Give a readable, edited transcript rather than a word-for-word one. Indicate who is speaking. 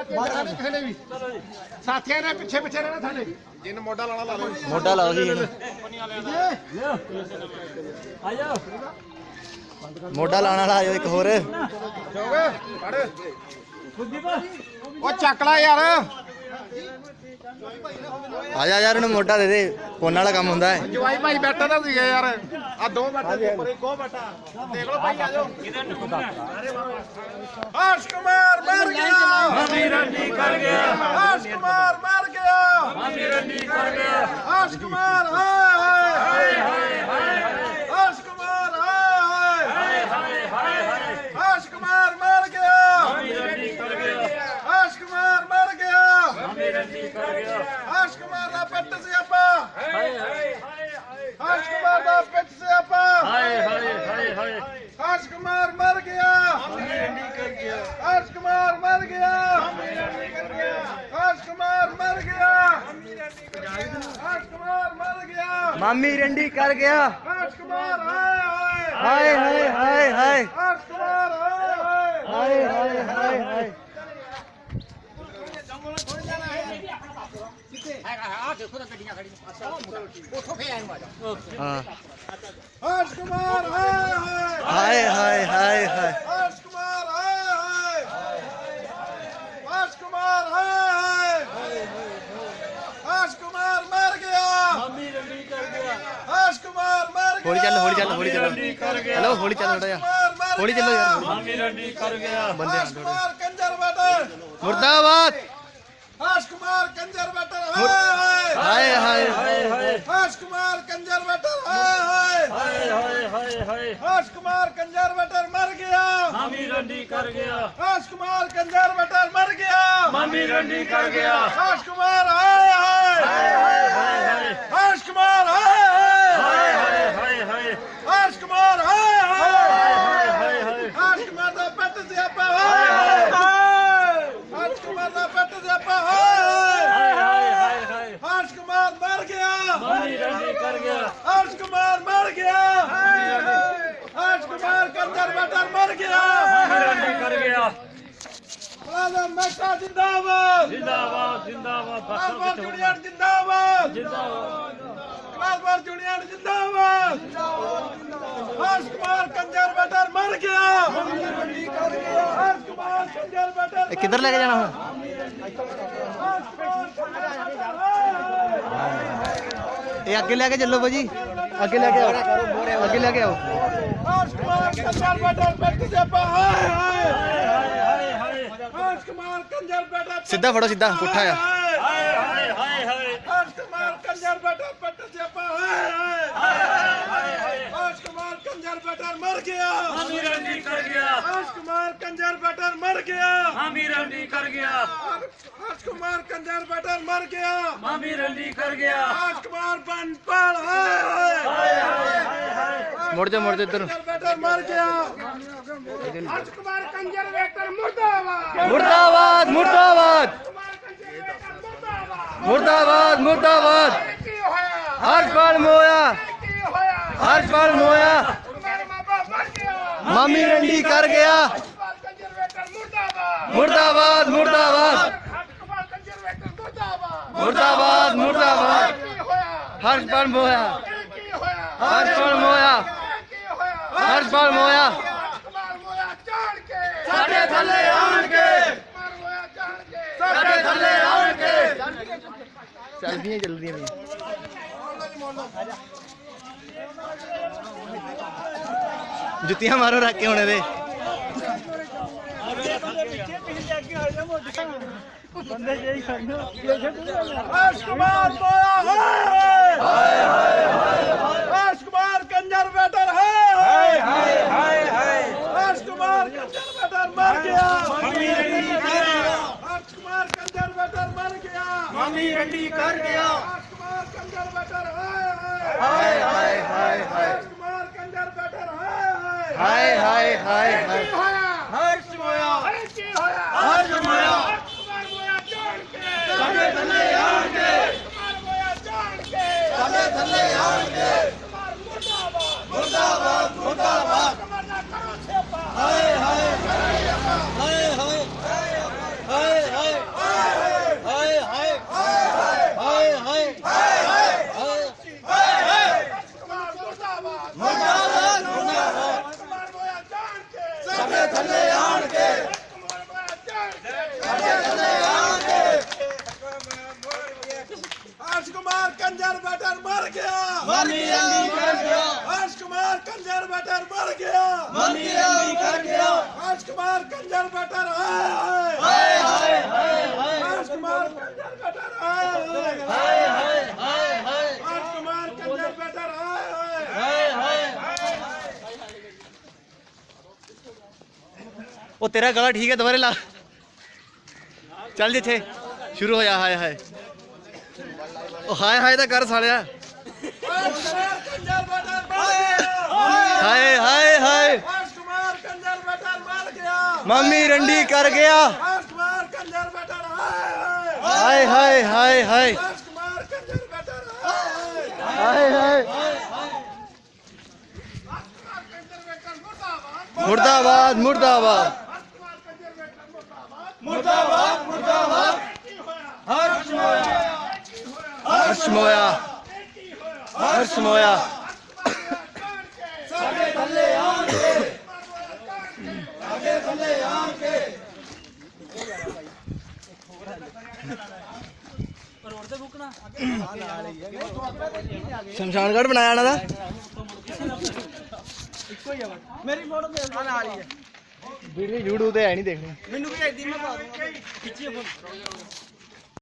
Speaker 1: साथियों ने पिछे पिछे रहना थाने जिन मोटा लाना ला लो
Speaker 2: मोटा लाओ जी मोटा लाना ला एक होर
Speaker 1: ओ चकला यार
Speaker 2: आजा यार उन्हें मोटा दे दे फोन वाला काम होंदा है
Speaker 1: जवाई भाई बैठा था यार आ दो बैठा ऊपर एक बैठा देख लो भाई आ जाओ हर्ष कुमार मर गया
Speaker 3: मामी रंडी कर गया
Speaker 1: हर्ष कुमार मर गया
Speaker 3: मामी रंडी कर गया
Speaker 1: हर्ष कुमार हाय हर्ष कुमार हाय हर्ष कुमार मर गया
Speaker 3: मामी रंडी कर गया
Speaker 1: हर्ष कुमार मर गया
Speaker 3: मामी रंडी कर गया
Speaker 1: हर्ष कुमार दा पेट से आपा
Speaker 3: हाय हाय
Speaker 1: हर्ष कुमार दा पेट से आपा
Speaker 3: हाय हाय हाय हाय
Speaker 1: हर्ष कुमार मर गया
Speaker 3: मामी रंडी कर गया
Speaker 1: हर्ष कुमार मर गया हर्ष कुमार मर गया हर्ष कुमार मर गया
Speaker 2: मामी रंडी कर गया
Speaker 1: हर्ष कुमार हाय
Speaker 2: हाय हाय हाय हाय
Speaker 1: हर्ष कुमार
Speaker 2: हाय हाय हाय हाय हाँ
Speaker 1: हर्ष कुमार
Speaker 2: हाय हाय हाय हाय
Speaker 1: हर्ष कुमार हर्ष कुमार हर्ष कुमार मर गया
Speaker 3: मामी रंडी कर गया
Speaker 1: हर्ष कुमार मर गया
Speaker 2: होली चलो होली चलो होली चलो
Speaker 3: रंडी कर गया
Speaker 2: हेलो होली चलो थोड़ा यार होली चलो यार
Speaker 3: मामी रंडी कर गया
Speaker 2: बंदे
Speaker 1: हर्ष कुमार कंजर बटर
Speaker 2: मुर्दाबाद
Speaker 1: हर्ष कुमार कंजर बटर
Speaker 2: हाय हाय
Speaker 3: हाय हाय
Speaker 1: हर्ष कुमार कंजर बटर
Speaker 3: हाय हाय हाय हाय
Speaker 1: हर्ष कुमार कंजर बटर मर गया
Speaker 3: मामी रंडी कर गया
Speaker 1: हर्ष कुमार कंजर बटर मर गया
Speaker 3: मामी रंडी कर गया
Speaker 1: हर्ष कुमार हाय
Speaker 3: हाय हाय हाय
Speaker 1: हर्ष कुमार
Speaker 3: हाय हाय हाय हाय
Speaker 1: हर्ष कुमार
Speaker 3: हाय हाय
Speaker 1: हर्ष कुमार दा पेट से आपा हर्ष कुमार दा पेट से आपा
Speaker 3: हाय हाय हाय
Speaker 1: हर्ष कुमार मर गया
Speaker 3: मामी रंडी कर गया
Speaker 1: हर्ष कुमार मर गया हर्ष कुमार कंजर बटर मर गया
Speaker 3: मामी रंडी कर गया
Speaker 1: मुलाजम मेहता जिंदाबाद
Speaker 3: जिंदाबाद जिंदाबाद
Speaker 1: क्लासबार जूनियर जिंदाबाद
Speaker 3: जिंदाबाद
Speaker 1: क्लासबार जूनियर जिंदाबाद हर्ष कुमार कंजर बटर मर गया हर्ष कुमार कंजर बटर
Speaker 2: किधर लेके जाना है
Speaker 1: हर्ष कुमार
Speaker 2: ये आगे लेके चलो भाजी आगे लेके आओ आगे लेके आओ
Speaker 1: हर्ष कुमार कंजर बटर पेट से हाय हर्ष कुमार कंजर बटर
Speaker 2: सीधा फड़ो सीधा पुट्ठा है
Speaker 1: हर्ष कुमार कंजर बटर पेट से हर्ष कुमार कंजर बटर मर गया
Speaker 3: मामी रंडी कर गया
Speaker 1: हर्ष कुमार कंजर बटर मर गया
Speaker 3: मामी रंडी कर गया
Speaker 1: हर्ष कुमार कंजर बटर मर गया
Speaker 3: मामी रंडी कर गया
Speaker 1: हर्ष कुमार बनपड़
Speaker 2: मुड़ जा इधर
Speaker 1: बटर मर गया हर्ष कुमार कंजर बटर मुर्दाबाद
Speaker 2: मुर्दाबाद मुर्दाबाद मुर्दाबाद मुर्दाबाद हर्ष पाल मोया हर्ष पाल मोया मामी रंडी कर गया मुर्दाबाद मुर्दाबाद मुर्दाबाद मुर्दाबाद हर्ष पाल मोया हर्ष पाल मोया हर्ष पाल मोया
Speaker 1: साडे थले आण के साडे थले आण के
Speaker 2: चलदियां जल्दी जुतियां मारो रख के होने दे
Speaker 1: हर्ष कुमार हर्ष कुमार कंजर बेटर हर्ष कुमार कंजर बेटर मर गया हर्ष कुमार कंजर बेटर मर गया
Speaker 3: मामी रंडी कर गया
Speaker 1: हर्ष कुमार कंजर बेटर
Speaker 2: हाय
Speaker 1: हर्ष कुमार कंजर बेटर
Speaker 2: हाय हाय हाय हाय
Speaker 1: हर्ष मोया
Speaker 3: हर्ष मोया
Speaker 1: कुमार मोया जान के
Speaker 3: साडे थले आण के
Speaker 1: कुमार मोया जान के
Speaker 3: साडे थले आण के
Speaker 1: कुमार मुर्दाबाद
Speaker 3: मुर्दाबाद मुर्दाबाद
Speaker 1: कमरना करो सेवा
Speaker 3: हाय हाय हाय हाय हाय हाय मम्मी रंडी कर गया
Speaker 1: हर्ष कुमार कंजर बटर मर गया
Speaker 3: मम्मी रंडी कर गया
Speaker 1: हर्ष कुमार कंजर बटर हाय
Speaker 3: हाय हाय हाय
Speaker 1: हर्ष कुमार कंजर बटर हाय
Speaker 3: हाय हाय हाय हाय
Speaker 1: हर्ष कुमार कंजर बटर हाय
Speaker 3: हाय हाय
Speaker 2: ओ तेरा गला ठीक है दोबारा ला चल जिथे शुरू होया हाय हाय ओ हाय हाय दा कर सालिया
Speaker 1: हर्ष कुमार कंजर बटर मर गया
Speaker 2: हाय हाय हाय
Speaker 1: हर्ष कुमार कंजर बटर मर गया
Speaker 2: मम्मी रंडी कर गया
Speaker 1: हर्ष कुमार कंजर बटर हाय
Speaker 2: हाय हाय हाय हाय
Speaker 1: हर्ष कुमार कंजर बटर हाय
Speaker 2: हाय हाय मुर्दाबाद मुर्दाबाद
Speaker 3: मुर्दाबाद मुर्दाबाद हर्ष मोया
Speaker 2: हर्ष मोया हर्ष मोया
Speaker 3: साडे थल्ले आन के साडे थल्ले आन के
Speaker 2: शमशानगढ़ बनाया ना
Speaker 4: मेरी फोटो भेज दो ਨਾਲ ਹੀ ਹੈ
Speaker 2: वीडियो यूट्यूब पे है नहीं देखनी
Speaker 4: ਮੈਨੂੰ ਵੀ ਐਡੀ ਮੈਂ ਪਾ ਦੂੰਗਾ ਖਿੱਚੀਏ ਫੋਟੋ